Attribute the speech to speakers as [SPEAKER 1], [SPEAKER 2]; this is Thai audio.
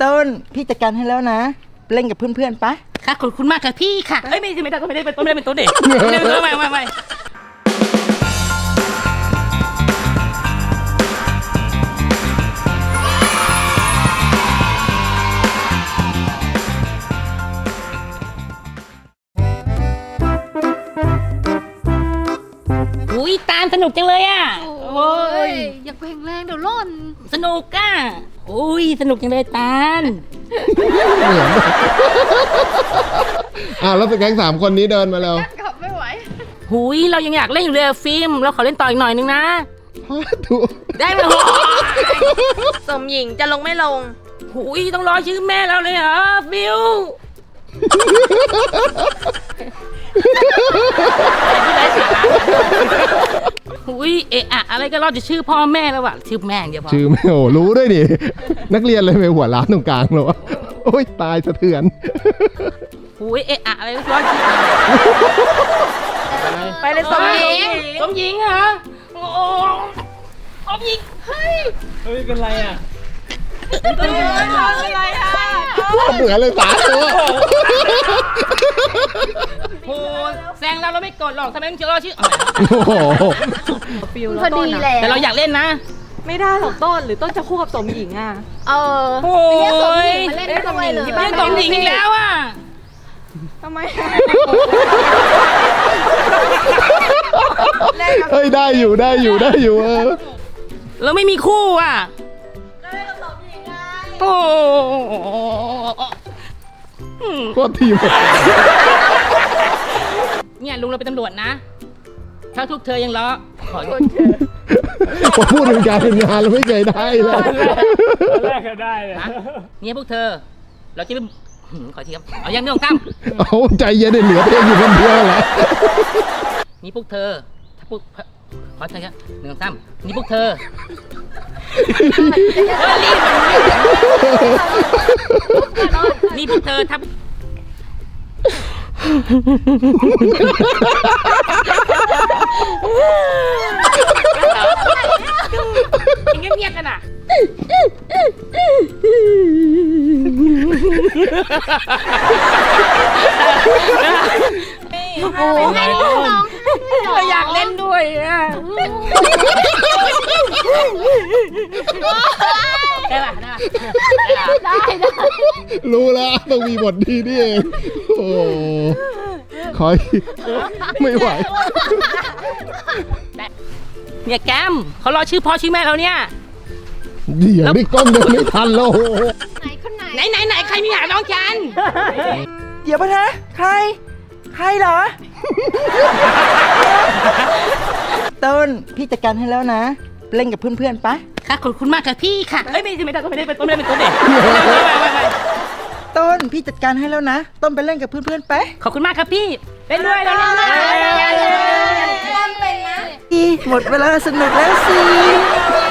[SPEAKER 1] ต้นพี่จัดการให้แล้วนะเล่นกับเพื่อนๆปะ
[SPEAKER 2] ค่ะขอบคุณมากค่ะพี่ค่ะเอ้ยไม่ได้เป็นตัวเด็กไม่อุ้ยตาลสนุกจังเลยอ่ะโอ้ย
[SPEAKER 3] อย่าแข็งแรงเดี๋ยวล่น
[SPEAKER 2] สนุกอ่ะอุ้ยสนุกจังเลยตาล
[SPEAKER 4] แล้วสแก๊ง3 คนนี้เดินมาแล้ว
[SPEAKER 3] กลับไม่ไหว
[SPEAKER 2] หุยเรายังอยากเล่นอยู่เลยฟิล์มเราขอเล่นต่ออีกหน่อยนึงนะได้ไหม
[SPEAKER 3] สมหญิงจะลงไม่ลง
[SPEAKER 2] หุยต้องรอชื่อแม่เราเลยเหรอบิวหุยเอะอะอะไรก็รอจะชื่อพ่อแม่แล้วอะชื่อแม่เดียวพอ
[SPEAKER 4] ชื่อแม่โอ้รู้ด้วยดินักเรียนเลยไปหัวล้านตรงกลางเลยวะโอ้ยตายสะเทือน
[SPEAKER 2] หุยเอะอะอะไรก็รอชื่อ
[SPEAKER 3] ไปเลยสมหญิง
[SPEAKER 2] เหรอโอ้สมหญิงเฮ้ย
[SPEAKER 5] เป็นไรอ่ะ
[SPEAKER 3] เป็นไรอ่ะ
[SPEAKER 4] เหมือนเลย3 ตัว
[SPEAKER 2] โอ้แซงเราไม่กดหรอกทำไมต้องชื่อรอชื่อ
[SPEAKER 3] ฟิวพอดีแหละ
[SPEAKER 2] แต่เราอยากเล่นนะ
[SPEAKER 6] ไม่ได้หรอกต้นหรือต้นจะคู่กับสมหญิงอ่ะ
[SPEAKER 2] โอ้ย
[SPEAKER 3] มาเล่นด้วยเลย
[SPEAKER 2] เล่นสมหญิงอีกแล้วอ่ะ
[SPEAKER 6] ทำไม
[SPEAKER 4] เฮ้ยได้อยู่
[SPEAKER 2] แล้วไม่มีคู่อ่ะโอ้
[SPEAKER 4] ก็ทีม
[SPEAKER 2] เนี่ยลุงเราเป็นตำรวจนะถ้าทุกเธอยังล้อขอโทษ
[SPEAKER 4] ผมพูดถึงการเป็นงานเราไม่เคยได้เลย
[SPEAKER 5] แรกก็ได้เลย
[SPEAKER 2] เนี่ยพวกเธอเราจะขอทีครับเอายังไม่ต้องกำ
[SPEAKER 4] เอาใจเย็นเหลือเพียงอยู่คนเดียวแหละ
[SPEAKER 2] นี่พวกเธอถ้าพวกขอเธอครับ1 2 3นี่พวกเธอนี่พวกเธอทับเงียบๆกันอ่ะ
[SPEAKER 3] โอ้ให้น้อง
[SPEAKER 2] เราอยากเล่นด้วยอ่ะได้ป่ะ
[SPEAKER 3] ได้
[SPEAKER 4] รู้แล้วต้องมีบทดีนี่เองโอ้คอยไม่ไหว
[SPEAKER 2] เนี่ยแกมเขารอชื่อพ่อชื่อแม่เราเนี่ย
[SPEAKER 4] เดี๋ยวนี่กล้องเดินไม่ทันแล้ว
[SPEAKER 2] ไหนใครมีหาน้องจัน
[SPEAKER 1] เดี๋ยวปะนะใครเหรอ ต้นพี่จัดการให้แล้วนะเล่นกับเพื่อนๆปะ
[SPEAKER 2] ค่ะขอบคุณมากค่ะพี่ค่ะเอ้ยไม่ได้เป็นตัวเด็ก
[SPEAKER 1] ต้นพี่จัดการให้แล้วนะต้นไปเล่นกับเพื่อนๆไป
[SPEAKER 2] ขอบคุณมากครับพี่เล่นด้วย
[SPEAKER 3] ต้นเป็นนะ
[SPEAKER 1] หมดเวลาสนุกแล้วสิ